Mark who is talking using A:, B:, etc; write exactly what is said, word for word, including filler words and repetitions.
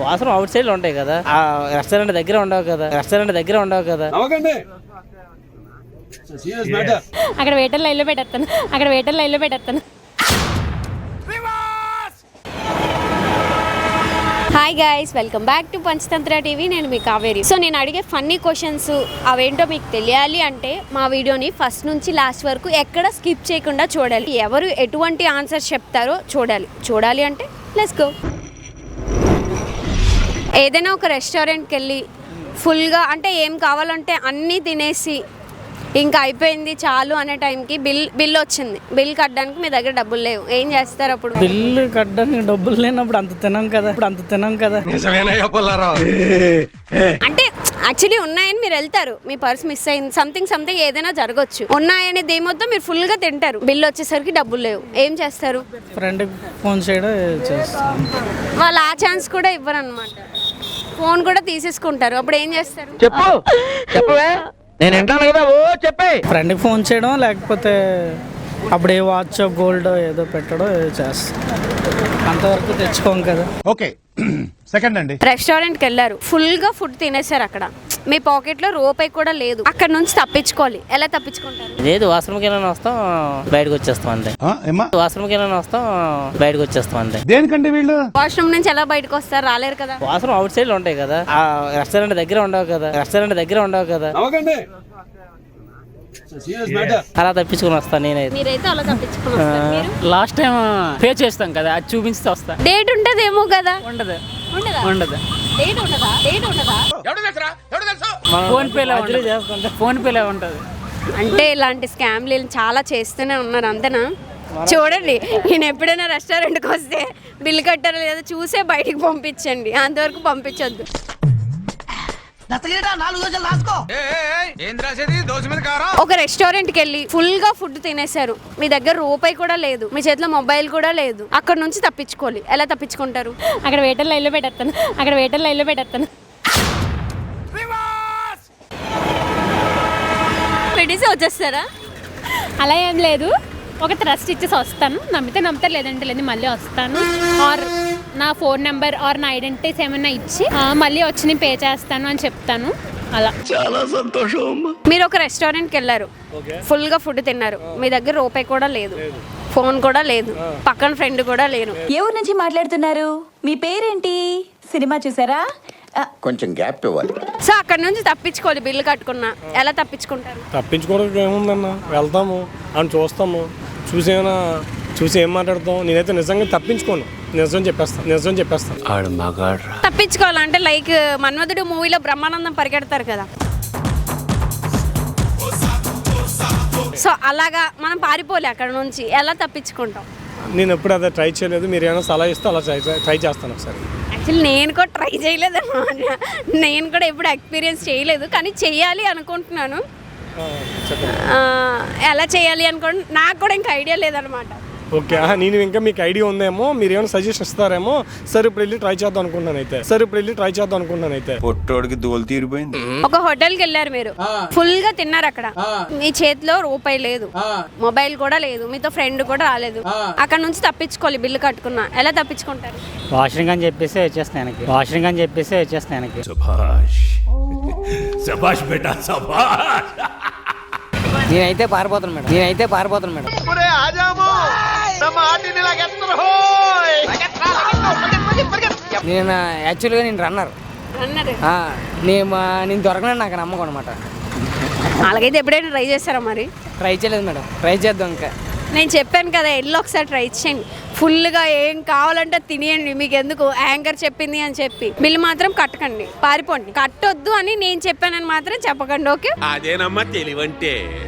A: వాసన out side లో ఉంటాయి కదా, ఆ రెస్టారెంట్ దగ్గర ఉండవు కదా, రెస్టారెంట్ దగ్గర ఉండవు కదా.
B: అక్కడ వెయిటర్ లైన్లో పెట్టేస్తాను, అక్కడ వెయిటర్ లైన్లో పెట్టేస్తాను. Hi guys, welcome back to Panchatantra TV. నేను మీ కావేరి. సో నేను అడిగే ఫన్నీ క్వశ్చన్స్ అవేంటో మీకు తెలియాలి అంటే మా వీడియోని ఫస్ట్ నుంచి లాస్ట్ వరకు ఎక్కడ స్కిప్ చేయకుండా చూడాలి. ఎవరు ఎటువంటి ఆన్సర్స్ చెప్తారో చూడాలి. చూడాలి అంటే లెట్స్ గో. ఏదైనా ఒక రెస్టారెంట్కి వెళ్ళి ఫుల్గా అంటే ఏం కావాలంటే అన్నీ తినేసి ఇంకా అయిపోయింది చాలు అనే టైంకి బిల్ బిల్ వచ్చింది. బిల్ కట్టడానికి మీ దగ్గర డబ్బులు లేవు, ఏం చేస్తారు అప్పుడు?
A: బిల్లు కట్టడానికి డబ్బులు లేనప్పుడు అంత తినాం కదా, ఇప్పుడు అంత తినాం కదా.
B: అంటే యాక్చువల్లీ ఉన్నాయని మీరు వెళ్తారు, మీ పర్స్ మిస్ అయింది, సంథింగ్ సంథింగ్ ఏదైనా జరగచ్చు. ఉన్నాయని దేమొద్దో మీరు ఫుల్ గా తింటారు, బిల్ వచ్చేసరికి డబ్బులు లేవు, ఏం చేస్తారు?
A: ఫ్రెండ్ ఫోన్ చేయడం చేస్తాం.
B: వాళ్ళు ఆ ఛాన్స్ కూడా ఇవ్వరు అనమాట, ఫోన్ కూడా తీసేసుకుంటారు. అప్పుడు ఏం చేస్తారు?
C: చెప్పు చెప్పవే, నేను వింటాను కదా. ఓ చెప్పే.
A: ఫ్రెండ్కి ఫోన్ చేయడం, లేకపోతే అప్పుడు ఏ వాచ్ గోల్డ్ ఏదో పెట్టడం చేస్తాం. అంతవరకు తెచ్చుకోం కదా.
D: ఓకే సెకండ్ అండి.
B: రెస్టారెంట్కి వెళ్ళారు, ఫుల్ గా ఫుడ్ తినేసారు, అక్కడ మీ పాకెట్ లో రూపాయి కూడా లేదు, అక్కడ నుంచి తప్పించుకోవాలి. ఎలా తప్పించుకుంటారు?
A: లేదు, వాష్రూమ్కి వెళ్ళని వస్తాం, బయటకు వచ్చేస్తాం అంతే. వాష్రూమ్కి వెళ్ళని వస్తాం, బయటకు వచ్చేస్తాం అంతే.
D: దేనికంటే వీళ్ళు
B: వాష్రూమ్ నుంచి ఎలా బయటకు వస్తారు? రాలేరు కదా.
A: వాష్రూమ్ అవుట్ సైడ్ లో ఉంటాయి కదా, ఆ రెస్టారెంట్ దగ్గర ఉండవు కదా, రెస్టారెంట్ దగ్గర ఉండవు కదా. అలా తప్పించుకుని వస్తాను నేనైతే.
B: మీరైతే అలా తప్పించుకుని వస్తారు. మీరు?
E: లాస్ట్ టైం పే చేస్తాం కదా, అది చూపించి వస్తా.
B: డేట్ ఉంటదేమో కదా.
E: ఉండదు
B: ఉండదా?
E: ఉండదు.
B: డేట్ ఉండదా? డేట్ ఉండదా?
E: ఫోన్ పేలో ఉంటుంది, ఫోన్ పేలో ఉంటుంది.
B: అంటే ఇలాంటి స్కామ్లు చాలా చేస్తూనే ఉన్నారు, అంతేనా? చూడండి, నేను ఎప్పుడైనా రెస్టారెంట్కి వస్తే బిల్ కట్టారో లేదో చూసే బయటికి పంపించండి, అంతవరకు పంపించొద్దు. ఒక రెస్టారెంట్కి వెళ్ళి ఫుల్ గా ఫుడ్ తినేసారు, మీ దగ్గర రూపాయి కూడా లేదు, మీ చేతిలో మొబైల్ కూడా లేదు, అక్కడ నుంచి తప్పించుకోవాలి. ఎలా తప్పించుకుంటారు?
E: అక్కడ వెయిటర్ లైన్లో పెట్టేస్తాను, అక్కడ వెయిటర్ లైన్లో పెట్టేస్తాను.
B: పెట్టేసి వచ్చేస్తారా?
E: అలా ఏం లేదు, ఒక ట్రస్ట్ ఇచ్చేసి వస్తాను, నమ్మితే నమ్ముతారు, లేదంటే లేదు, మళ్ళీ వస్తాను. ఆర్ నా ఫోన్ నెంబర్ ఆర్ నా ఐడెంటిటీస్ ఏమైనా ఇచ్చి మళ్ళీ వచ్చి నేను పే చేస్తాను అని చెప్తాను. అలా. చాలా సంతోషం.
B: మీరు ఒక రెస్టారెంట్కి వెళ్ళారు, ఫుల్ గా ఫుడ్ తిన్నారు, మీ దగ్గర రూపాయి కూడా లేదు, ఫోన్ కూడా లేదు, పక్కన ఫ్రెండ్ కూడా లేరు.
F: ఏ ఊరు నుంచి మాట్లాడుతున్నారు? మీ పేరేంటి? సినిమా చూసారా?
G: కొంచెం గ్యాప్ ఇవ్వాలి.
B: సో అక్కడ నుంచి తప్పించుకోవాలి, బిల్లు కట్టుకున్నా. ఎలా తప్పించుకుంటారు?
H: తప్పించుకోవడానికి ఏముందన్న, వెళ్తాము అని చూస్తాము, చూసి ఏమైనా చూసి ఏం మాట్లాడతాం. నేనైతే నిజంగా తప్పించుకోను, నిజం చెప్పేస్తాను, నిజం చెప్పేస్తాను.
B: తప్పించుకోవాలంటే లైక్ మన్మధుడు మూవీలో బ్రహ్మానందం పరిగెడతారు కదా, సో అలాగా మనం పారిపోలే అక్కడ నుంచి. ఎలా తప్పించుకుంటాం?
H: నేను ఎప్పుడు అదే ట్రై చేయలేదు, మీరు ఏమైనా సలహా ఇస్తే అలా ట్రై ట్రై చేస్తాను ఒకసారి.
B: యాక్చువల్లీ నేను కూడా ట్రై చేయలేదు అన్నమాట, నేను కూడా ఎప్పుడు ఎక్స్పీరియన్స్ చేయలేదు, కానీ చెయ్యాలి అనుకుంటున్నాను. ఎలా చేయాలి అనుకోండి, నాకు కూడా ఇంకా ఐడియా లేదనమాట.
H: ఓకే, నేను ఇంకా మీకు ఐడియా ఉందేమో, మీరు ఏమైనా సజెషన్ ఇస్తారేమో. సరే ఇప్పుడు వెళ్ళి ట్రై చేద్దాం అనుకుంటున్నాను అయితే. సరే ఇప్పుడు వెళ్ళి ట్రై చేద్దాం అనుకుంటున్నాను అయితే.
G: పొట్టోడికి దోలు తీరిపోయింది.
B: ఒక హోటల్కి వెళ్ళారు, మీరు ఫుల్ గా తిన్నారు, అక్కడ మీ చేతిలో రూపాయి లేదు, మొబైల్ కూడా లేదు, మీతో ఫ్రెండ్ కూడా రాలేదు, అక్కడ నుంచి తప్పించుకోవాలి, బిల్లు కట్టుకున్నా. ఎలా తప్పించుకుంటారు?
A: వాష్రూమ్ అని చెప్పేసి వచ్చేస్తాను, వాష్రూమ్ అని చెప్పేసి వచ్చేస్తాను. నేనైతే పారిపోతాను మేడం, నేనైతే పారిపోతాను మేడం. నేను యాక్చువల్గా నేను రన్నర్, నేను నేను దొరకను, నాకు నమ్మకం అనమాట.
B: అలాగైతే ఎప్పుడైనా ట్రై చేస్తారా? మరి
A: ట్రై చేయలేదు మేడం, ట్రై చేద్దాం. ఇంకా
B: నేను చెప్పాను కదా, ఎల్లు ఒకసారి ట్రై చేయండి, ఫుల్గా ఏం కావాలంటే తినేయండి, మీకు ఎందుకు యాంకర్ చెప్పింది అని చెప్పి. బిల్ మాత్రం కట్టకండి, పారిపోండి. కట్టొద్దు అని నేను చెప్పానని మాత్రం చెప్పకండి, ఓకే?
I: అదేనమ్మా తెలివంటే.